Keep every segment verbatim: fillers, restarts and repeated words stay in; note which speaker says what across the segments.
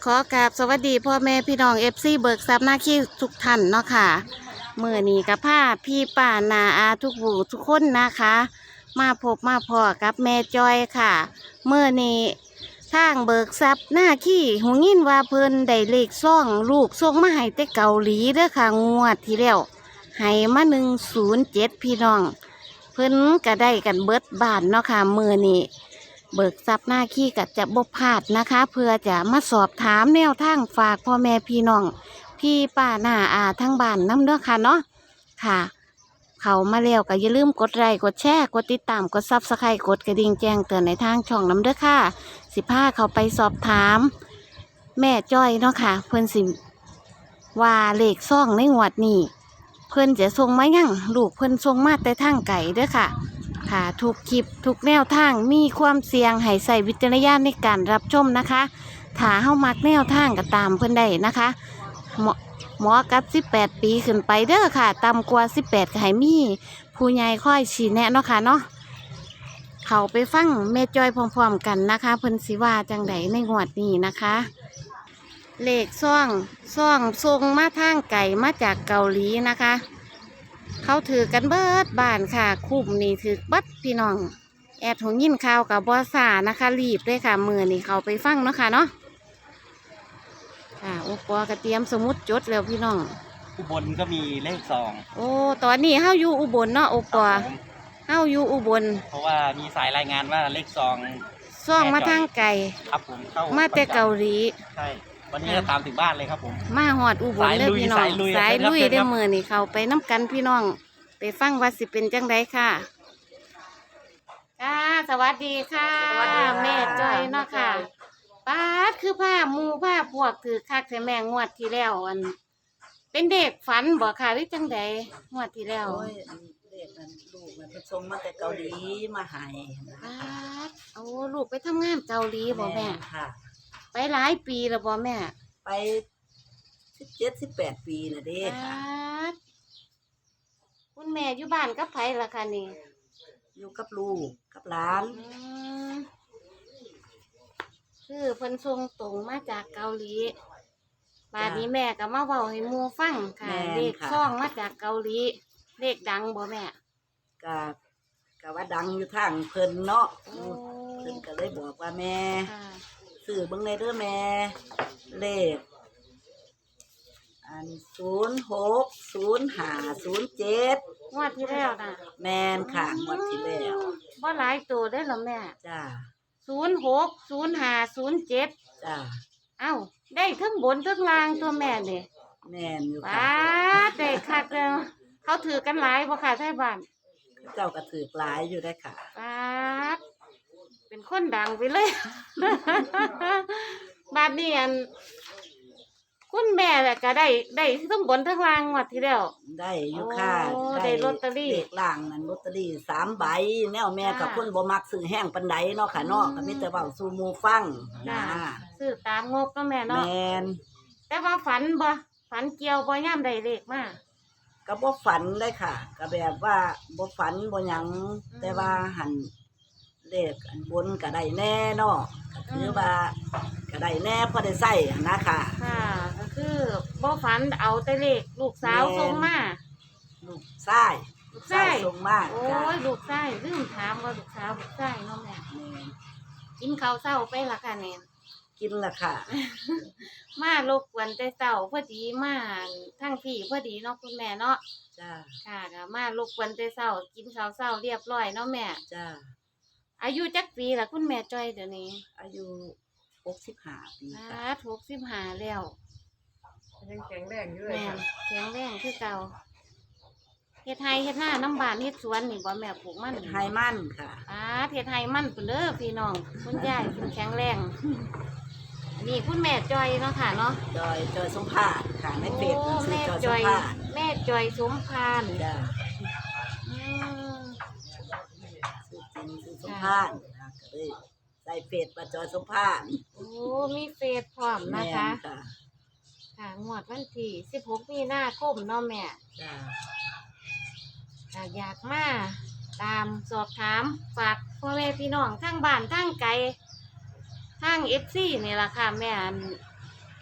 Speaker 1: ขอกราบสวัสดีพ่อแม่พี่น้องเอฟซีเบิกทรัพย์หน้าขี้ทุกท่านเนาะค่ะเมื่อนี้กับผ้าพี่ป่านาอาทุกบูทุกคนนะคะ มาพบมาพอกับแม่จอยค่ะเมื่อนี้ทางเบิกทรัพย์หน้าขี้หูยินว่าเพิ่นได้เลขซ่องลูกส่งมาให้แต่เกาหลีเด้อค่ะงวดที่แล้วให้มาหนึ่งศูนย์เจ็ดพี่น้อง เพิ่นก็ได้กันเบิดบานเนาะค่ะมือนี้เบิกทรัพย์หน้าขี้กับจะบบพลาดนะคะ เพื่อจะมาสอบถามแนวทางฝากพ่อแม่พี่น้องพี่ป้าหน้าอาทั้งบ้านน้ำเด้อค่ะเนาะค่ะ เขามาแล้วก็อย่าลืมกดไลค์กดแชร์กดติดตามกดซับสไครต์กดกระดิ่งแจ้งเตือนในทางช่องน้ำเด้อค่ะสิพาเขาไปสอบถาม แม่จ้อยเนาะค่ะเพิ่นสิว่าเลขซ่องในงวดนี้เพิ่นจะส่งมายังลูกเพิ่นส่งมาแต่ทางไก่เด้อค่ะ ค่ะทุกคลิปทุกแนวทางมีความเสี่ยงให้ใส่วิจารณญาณในการรับชมนะคะถ้าเฮามักแนวทางก็ตามเพิ่นได้นะคะหมอหมอกับสิบแปดปีขึ้นไปเด้อค่ะต่ำกว่าสิบแปดก็ให้มีผู้ใหญ่ค่อยชี้แนะเนาะค่ะเนาะเขาไปฟังแม่จอยพร้อมๆกันนะคะเพิ่นสิว่าจังไดในงวดนี้นะคะเลขซ่องซ่องส่งมาทางไก่มาจากเกาหลีนะคะเขาถือกันเบิดบ้านค่ะคุ้มนี่ถือบัดพี่น้องแอดหงยินข่าวกับบอสานะคะรีบเลยค่ะมือนี่เขาไปฟังเนาะค่ะเนาะค่ะโอปอกระเตรียมสมุดจดแล้วพี่น้อง
Speaker 2: อุบลก็มีเลขซอง
Speaker 1: โอ้ตอนนี้เฮาอยู่อุบลเนาะโอปอเฮาอยู่อุบล
Speaker 2: เพราะว่ามีสายรายงานว่าเลขซอง
Speaker 1: ซ่องมาทางไก่
Speaker 2: ครับผมเข้า
Speaker 1: มาแต่เกาหลี
Speaker 2: ใช่วันนี้จะตามถึงบ้านเลยครับผม
Speaker 1: มาหอดอุบลเลยพี่น้องสายลุยได้มือนี่เขาไปน้ำกันพี่น้องไปฟังว่าสิเป็นจังไดค่ะค่ะสวัสดีค่ะแม่จ้อยเนาะค่ะป้าดคือผ้ามูผ้าพวกถือคักแต่แม่งวดที่แล้วอันเป็นเด็กฝันบ่ค่ะหรือจังไดงวดที่แล้ว
Speaker 3: โอ้ยเด็กนั่นลูกมันไปส่งมาแต่เกาหลีมาให้
Speaker 1: ป้าดโอ้ลูกไปทำงานเกาหลีบ่แม่
Speaker 3: ค่ะ
Speaker 1: ไปหลายปีแล้วบ่แม่
Speaker 3: ไปสิบเจ็ดสิบแปดปีน่ะเด้ค่ะ
Speaker 1: คุณแม่อยู่บ้านกับไผล่ะคะนี่
Speaker 3: อยู่กับลูกกับหลาน
Speaker 1: คือเพิ่นส่งตรงมาจากเกาหลีบาดนี้แม่ก็มาเว้าให้หมู่ฟังค่ะเลขซ่องมาจากเกาหลีเลขดังบ่แม่
Speaker 3: ก็ก็ว่าดังอยู่ทางเพิ่นเนาะเพิ่นก็เลยบอกว่าแม่ซื้อเบิ่งในเด้อแม่เลขอันศูนย์หกศูนย์ห้าศูนย์เจ็ด
Speaker 1: งวดที่แล้วน่ะ
Speaker 3: แม่นค่ะงวดที่แล้ว
Speaker 1: บ่หลายตัวเด้อล่ะแม่
Speaker 3: จ้า
Speaker 1: ศูนย์หกศูนย์ห้าศูนย์เจ็ด
Speaker 3: จ้า
Speaker 1: เอ้าได้ทั้งบนทั้งล่างตัวแม่นี่
Speaker 3: แม่นอยู่
Speaker 1: ค่ะป้าได้คักแล้วเขาถือกันหลายบ่ค่ะไทบ้าน
Speaker 3: เจ้าก็ถือหลายอยู่ได้ค่ะ
Speaker 1: ป้าเป็นคนดังไปเลยบาดนี้อันคุณแม่แหละก็ได้ได้ทั้งบนทั้งล่างงวดที่แล้ว
Speaker 3: ได้อยู่ค่ะ
Speaker 1: ได้ลอตเตอรี่
Speaker 3: เลขล่างนั่นลอตเตอรี่สามใบแนวแม่กับคนบ่มักซื้อแห้งปานใดเนาะค่ะเนาะก็มีแต่เว้าสู่หมู่ฟังนะ
Speaker 1: ซื้อตามงบเนาะแม่เนาะ
Speaker 3: แม่น
Speaker 1: แต่ว่าฝันบ่ฝันเกี่ยวบ่ย่ำได้เลขมา
Speaker 3: ก็บ่ฝันเลยค่ะก็แบบว่าบ่ฝันบ่หยังแต่ว่าหันเลขอันบนก็ได้แน่เนาะก็คือว่าก็ได้แน่พอได้ใช้นะค่ะ
Speaker 1: ค่ะก็คือบ่ฝันเอาแต่เลขลูกสาวส่งมา
Speaker 3: ลูกชายลูกชายส่งมา
Speaker 1: โอ้ยลูกชายลืมถามว่าลูกสาวลูกชายเนาะแม่กินข้าวเช้าไปล่ะค่ะแม่
Speaker 3: กินล่ะค่ะ
Speaker 1: มารบกวนแต่เช้าพอดีมาทั้งที่พอดีเนาะคุณแม่เนาะ
Speaker 3: จ้า
Speaker 1: ค่ะก็มารบกวนแต่เช้ากินข้าวเช้าเรียบร้อยเนาะแม่
Speaker 3: จ้า
Speaker 1: อายุจักปีล่ะคุณแม่จ้อยเดี๋ยวนี้
Speaker 3: อายุหกสิบห้าปี
Speaker 1: ค่ะหกสิบห้าแล้ว
Speaker 4: ยังแข็งแรงอยู่
Speaker 1: แม่แข็งแรงคือเก่าเฮ็ดไร่เฮ็ดนาน้ำบานเฮ็ดสวนนี่บ่แม่ปลูกมัน
Speaker 3: ไร่มันค่ะ
Speaker 1: อ่าเฮ็ดไร่มันเพิ่นเด้อพี่น้องคุณยายเพิ่นแข็งแรงนี่คุณแม่จอยเนาะค่ะเนาะ
Speaker 3: จอยจอยสมภารค่ะในเฟซ
Speaker 1: แม่จอยแม่จอยสมภาร
Speaker 3: จ้ะอืมชื่อจริงชื่อสมภารนะก็เลยใส่เฟซว่าจอยสมภาร
Speaker 1: โอ้มีเฟซพร้อมนะคะค่ะงวดวันที่สิบหกมีนาคมเนาะแม่
Speaker 3: จ้ะ
Speaker 1: อยากมาตามสอบถามฝากพ่อแม่พี่น้องทั้งบ้านทั้งไกลทั้งเอฟซีนี่แหละค่ะแม่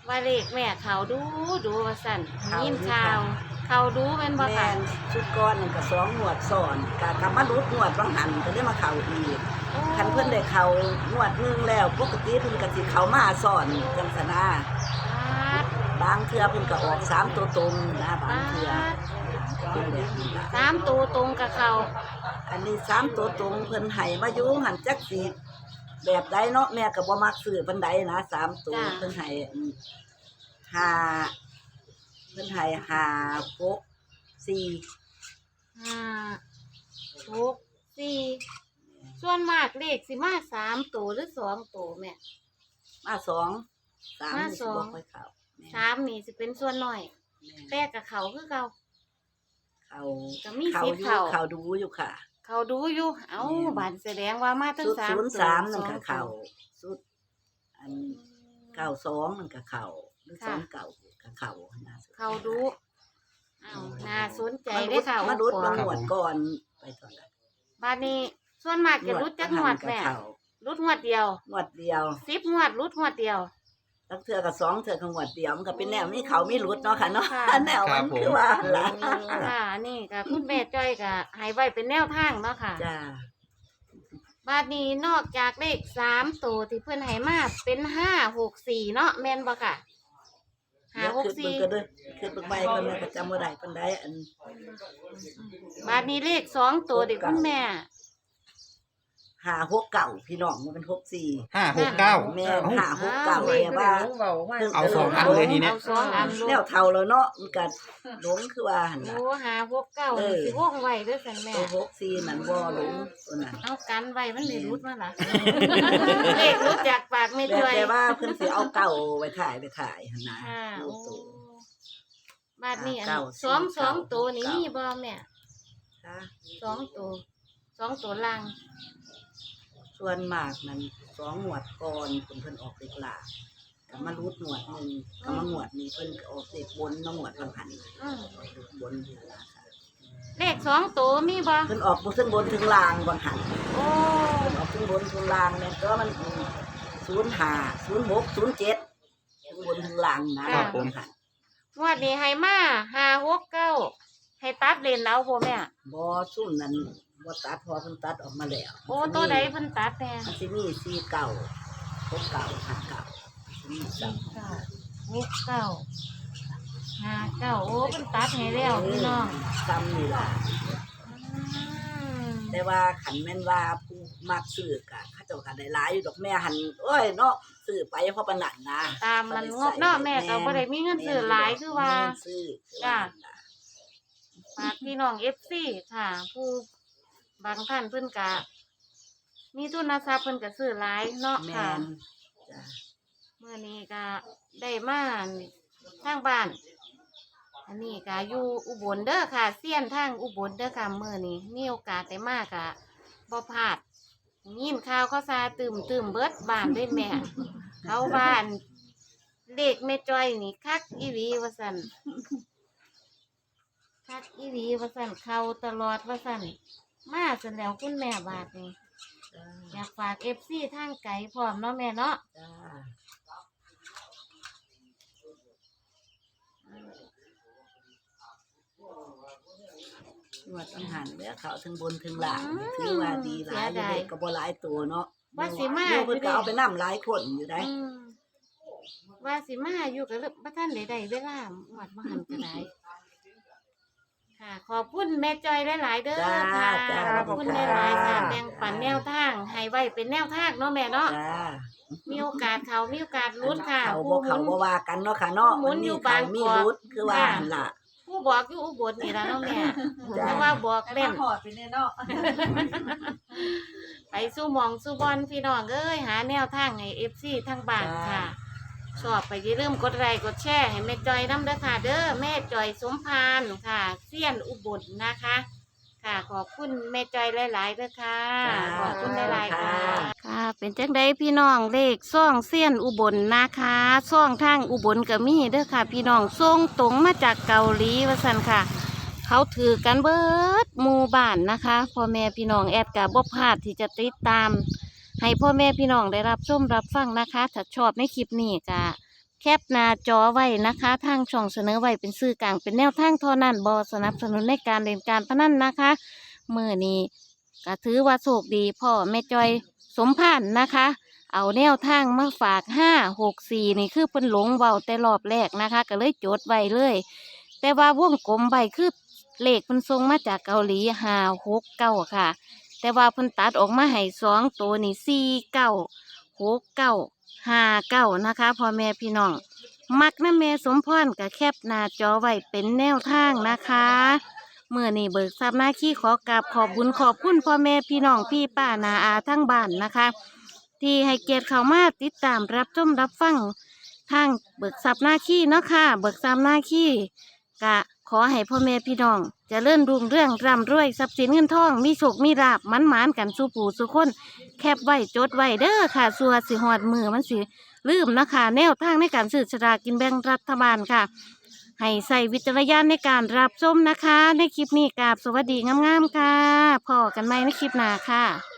Speaker 1: ว่าเลขแม่เขาดูดูว่าสั่นยินข่าวเขาดูเป็นบ่
Speaker 3: แม่
Speaker 1: ค่ะ
Speaker 3: นชุดก้อนนึงก็สองงวดซ้อนก็กลับมารุดงวดบางหันก็ได้มาเข้าอีกคันเพิ่นได้เข้างวดหนึงแล้วปกติเพิ่นก็สิเข้ามาซ้อนจังซั่นนะบางเทื่อเพิ่นก็ออกสามตัวตรงนะบางเทื่อเป็นแบบนี้ล่ะ
Speaker 1: สามตัวตรงกับเขา
Speaker 3: อันนี้สามตัวตรงเพิ่นให้มาอยู่หันจักสิแบบใดเนาะแม่ก็บ่มักซื้อปานใดนะสามตัวเพิ่นให้อืมห้าเพิ่นให้ห้าหกสี่
Speaker 1: ห้าหกสี่ส่วนมากเลขสิมาสามตัวหรือสองตัวแม่
Speaker 3: มาสองสาม
Speaker 1: มา
Speaker 3: นี่
Speaker 1: ส
Speaker 3: สิ
Speaker 1: อง
Speaker 3: บ่ค่อยเข้าแม่
Speaker 1: สามนี่สิเป็นส่วนน้อย
Speaker 3: แม่
Speaker 1: แต่กับเขาคือเขา
Speaker 3: เขา
Speaker 1: ก็มี
Speaker 3: เขา
Speaker 1: สิท
Speaker 3: อ
Speaker 1: ธิ์
Speaker 3: ยู่
Speaker 1: เข้า
Speaker 3: เขาดูอยู่ค่ะ
Speaker 1: เขาดูอยู่เอ้าบานแสดงว่ามาทั้ง
Speaker 3: สุด
Speaker 1: สาม
Speaker 3: ศูนย์
Speaker 1: ตัว
Speaker 3: สามนั่น
Speaker 1: ส
Speaker 3: ก็
Speaker 1: อง
Speaker 3: เขา
Speaker 1: ตัว
Speaker 3: สุดอันเก้าสองนั่นก็เขาหรือสองเก้าก็เขานะ
Speaker 1: เขาดูเอ้าน่าสนใจ
Speaker 3: มา
Speaker 1: ได้
Speaker 3: รุ
Speaker 1: อ
Speaker 3: ด
Speaker 1: ค่ะ
Speaker 3: มารุด
Speaker 1: โอ้
Speaker 3: มา
Speaker 1: โห
Speaker 3: หวดก่อนไปตอนนั้น
Speaker 1: บานนี้ส่วนมากจะรุดจักงวดแม่
Speaker 3: เขา
Speaker 1: รุดงวดเดียว
Speaker 3: งวดเดียว
Speaker 1: สิบงวดรุดงวดเดียว
Speaker 3: ตั้งเทื่อกับสองเทื่อกับงวดเดียวมันก็เป็นแนวนี้เขามีรุดเนาะค่ะเนาะ
Speaker 1: ค่ะ
Speaker 3: แนวมันคือว่าล่ะ
Speaker 1: ค่ะนี่ก็คุณแม่จ้อยก็ให้ไว้เป็นแนวทางเนาะค่ะ
Speaker 3: จ้า
Speaker 1: บาดนี้นอกจากเลขสามตัวที่เพื่อนให้มาเป็นห้าหกสี่เนาะแม่นบ่ค่ะห้า
Speaker 3: เดี๋ยว
Speaker 1: หก
Speaker 3: คือเบิ่
Speaker 1: สี่
Speaker 3: งก็เด้อคือเบิ่งใบคนนึงก็จำบ่ได้ปานใดอัน
Speaker 1: บาดนี้เลขสองตัวเด็กคุณแม่
Speaker 3: ห้าหกเก้าพี่น้องมันเป็นหกสี่
Speaker 2: ห้าหกเก้า
Speaker 3: แม่
Speaker 2: เอ้า
Speaker 3: ห้าหกเก้า
Speaker 1: อ้าว
Speaker 3: แม่ว่า
Speaker 4: เบามา
Speaker 2: เอาสองอันเลยทีเนี้ย
Speaker 1: เอาสองอันล
Speaker 3: แนว
Speaker 1: ง
Speaker 3: เท่าแล้วเนาะมันก็หลงคือว่าหั่นล่ะ
Speaker 1: โอ้ห้าหกเก้า
Speaker 3: เออ
Speaker 1: สิว่องไว้เด้วยสันแม่
Speaker 3: ตัวหกสี่นั่นบ่หลงตัวนั้น
Speaker 1: เอากันไว้มันเลยรุดมาล่ะ เลขรุดจากปากไม่
Speaker 3: แต่
Speaker 1: ช่วย
Speaker 3: แต่ว่าเพิ่นสิเอาเก่าไว้ถ่ายไปถ่ายหั่นนะ
Speaker 1: ค่ะ
Speaker 3: ลู
Speaker 1: โอ้
Speaker 3: กตัว
Speaker 1: บาดนี้อัน
Speaker 3: เก้า
Speaker 1: สอง
Speaker 3: สี่
Speaker 1: สอง
Speaker 3: เก้า
Speaker 1: ตัวนี้
Speaker 3: เก้ามี
Speaker 1: มีบ่แม่
Speaker 3: ค่ะ
Speaker 1: สองตัวสองตัวล่าง
Speaker 3: ส่วนมากนั้นสองหวดก่อนเพิ่นเพิ่นออกเด็กหลาก็มารูดหนวดหนึงก็มาหวดนี้เพิ่นก็ออกเด็กบนมาหวดบางหัน
Speaker 1: อืม
Speaker 3: ออกเด็กบนนี่ล่ะค่ะ
Speaker 1: เลขสองตัวมีบ่
Speaker 3: เพิ่นออกบ่ถึงบนถึงล่างบางหัน
Speaker 1: โอ้
Speaker 3: เพิ่นออกถึงบนถึงล่างแม่นก็มันศูนย์ห้า ศูนย์หก ศูนย์เจ็ดถึงบนถึงล่างนะครับ
Speaker 2: ผม
Speaker 3: ค่ะ
Speaker 1: งวดนี้ให้มาห้าหกเก้าให้ตัดเลนเอาบ่แม่
Speaker 3: บ่ซุ่มนั้นบ่ตัดพอเพิ่นตัดออกมาแล้ว
Speaker 1: โอ้ตัวใดเพิ่นตัดแน่
Speaker 3: มันสิมีสี่เก่าหกเก่าห้าเก่ามีสาม
Speaker 1: เก้าหกเก้าห้าเก้าโอ้เพิ่นตัดให้แล้วพี่น้อง
Speaker 3: ซ้ำนี่ล่ะ
Speaker 1: อืม
Speaker 3: แต่ว่าขันแม่นว่าผู้มักซื้อกะเขาเจ้าก็ได้หลายอยู่ดอกแม่หันโอ้ยเนาะซื้อไปเพราะปานนั้นนะ
Speaker 1: ตามมันงบเนาะแม่ก็บ่ได้มีเงินซื้อหลายคือว่า
Speaker 3: มีเงินซื้อคือว่านั่นล่ะ
Speaker 1: ฝากพี่น้อง เอฟ ซี ค่ะ ผู้บางท่านเพิ่นก็มีทุนทรัพย์เพิ่นก็ซื้อหลายเนาะ
Speaker 3: แม่
Speaker 1: ค่ะ
Speaker 3: นจ้ะ
Speaker 1: เมื่อนี้ก็ได้มาทางบ้าน อันนี้ก็อยู่อุบลเด้อค่ะเซียนทางอุบลเด้อค่ะเมื่อนี้มีโอกาสได้มากะบ่พลาดยินข่าวเขาซาตื่มตื่มเบิดบ้านด้วยแม่ เขาบ้านเลขแม่จ้อยนี่คักอีหลีว่าซั่นคักอีหลีว่าซั่นเข้าตลอดว่าซั่นมาซั่นแล้วคุณแม่บาดนี้
Speaker 3: จ้า
Speaker 1: อยากฝาก เอฟ ซี ทางไกลพร้อมเนาะแม่เนาะ
Speaker 3: จ้าหวดต้องหันแล้วเขาถึงบนถึงหลังถือว่าดีหลายอยู่เด็กก็บ่หลายตัวเนาะ
Speaker 1: ว่าสิมา
Speaker 3: หเพิ่นก็เอาไปนำหลายคนอยู่ได้
Speaker 1: อืมว่าสิมาอยู่กับบ่ท่านใดๆเวลาหวัดบ่หันก็ได้ค่ะ ขอบคุณแม่จอยหลายๆเด้อ
Speaker 3: จ้า
Speaker 1: ค่ะ
Speaker 3: จ้า
Speaker 1: ขอบคุณหลายๆค่ะแบ่งปันแนวทางให้ไว้เป็นแนวทางเนาะแม่เนาะ
Speaker 3: จ้า
Speaker 1: มีโอกาสเขามีโอกาสลุ้นค่ะ
Speaker 3: เขา
Speaker 1: ผู้
Speaker 3: บ่
Speaker 1: ห
Speaker 3: เขา
Speaker 1: มุ
Speaker 3: บ่
Speaker 1: น
Speaker 3: ว่ากันเนาะค่ะเนาะ
Speaker 1: หมุนอยู่บาง
Speaker 3: มี
Speaker 1: กอก
Speaker 3: รุดคือว่าหั่นล่ะ
Speaker 1: ผู้บอกอยู่อุบลนี่ล่ะเนาะแม่
Speaker 3: จ้า
Speaker 1: แต่ว่าบอก
Speaker 4: แต่
Speaker 1: เล่
Speaker 4: มาน หอดไปเนี่ยเนาะ
Speaker 1: ไปสู้หมองสู้บอลพี่น้องเอ้ยหาแนวทางให้ เอฟ ซี ทั้งบ้านค่ะ ชอบไปอย่าลืมกดไลค์กดแชร์ให้แม่จอยน้ำเด้อค่ะ เด้อแม่จอยสมพานค่ะเซียนอุบลนะคะ ค่ะ ขอบคุณแม่จอยหลายๆเด้อค่ะ
Speaker 3: จ้า
Speaker 1: ขอบคุณหลายๆค่ะ
Speaker 3: ค่ะ
Speaker 1: ค่ะ เป็นจังไดพี่น้องเลขซ่องเซียนอุบลนะคะซ่องทางอุบลก็มีเด้อค่ะ พี่น้องส่งตรงมาจากเกาหลีว่าซั่นค่ะ เขาถือกันเบิดหมู่บ้านนะคะพ่อแม่พี่น้องแอดกับบ่พลาดที่จะติดตาม ให้พ่อแม่พี่น้องได้รับชมรับฟังนะคะ ถ้าชอบในคลิปนี้ก็แคปหน้าจอไว้นะคะทางช่องเสนอไว้เป็นสื่อกลางเป็นแนวทางเท่านั้นบอสนับสนุนในการเล่นการพนันนะคะมือนี้ก็ถือว่าโชคดีพ่อแม่จอยสมพานนะคะ เอาแนวทางมาฝากห้าหกสี่นี่คือเพิ่นหลงเบาแต่รอบแรกนะคะ ก็เลยจดไว้เลย แต่ว่าวงกลมใบคือเลขเพิ่นส่งมาจากเกาหลีห้าหกเก้าค่ะ แต่ว่าเพิ่นตัดออกมาให้สองตัวนี่สี่เก้าหกเก้าห้าเก้านะคะพ่อแม่พี่น้อง มักนะแม่สมพรกับแคบหน้าจอไว้เป็นแนวทางนะคะเมื่อนี่เบิกทรัพย์หน้าขี้ขอกราบขอบบุญขอบคุณพ่อแม่พี่น้องพี่ป้านาอาทั้งบ้านนะคะ ที่ให้เกียรติเข้ามาติดตามรับชมรับฟังทางเบิกทรัพย์หน้าขี้เนาะค่ะเบิกทรัพย์หน้าขี้กะขอให้พ่อแม่พี่น้องเจะเลื่อนรุ่งเรื่องร่ำรวยทรัพย์สินเงินทองมีโชคมีลาบมันหมานกันสู่ปู่สู่คนแคบไว้จดไว้เด้อค่ะสัวสิหอดมือมันสิลืมนะคะแนวทางในการซื้อสลากกินแบ่งรัฐบาลค่ะ ให้ใส่วิจารณญาณในการรับชมนะคะ ในคลิปนี้กราบสวัสดีงามๆค่ะพอกันไหมในคลิปหน้าค่ะ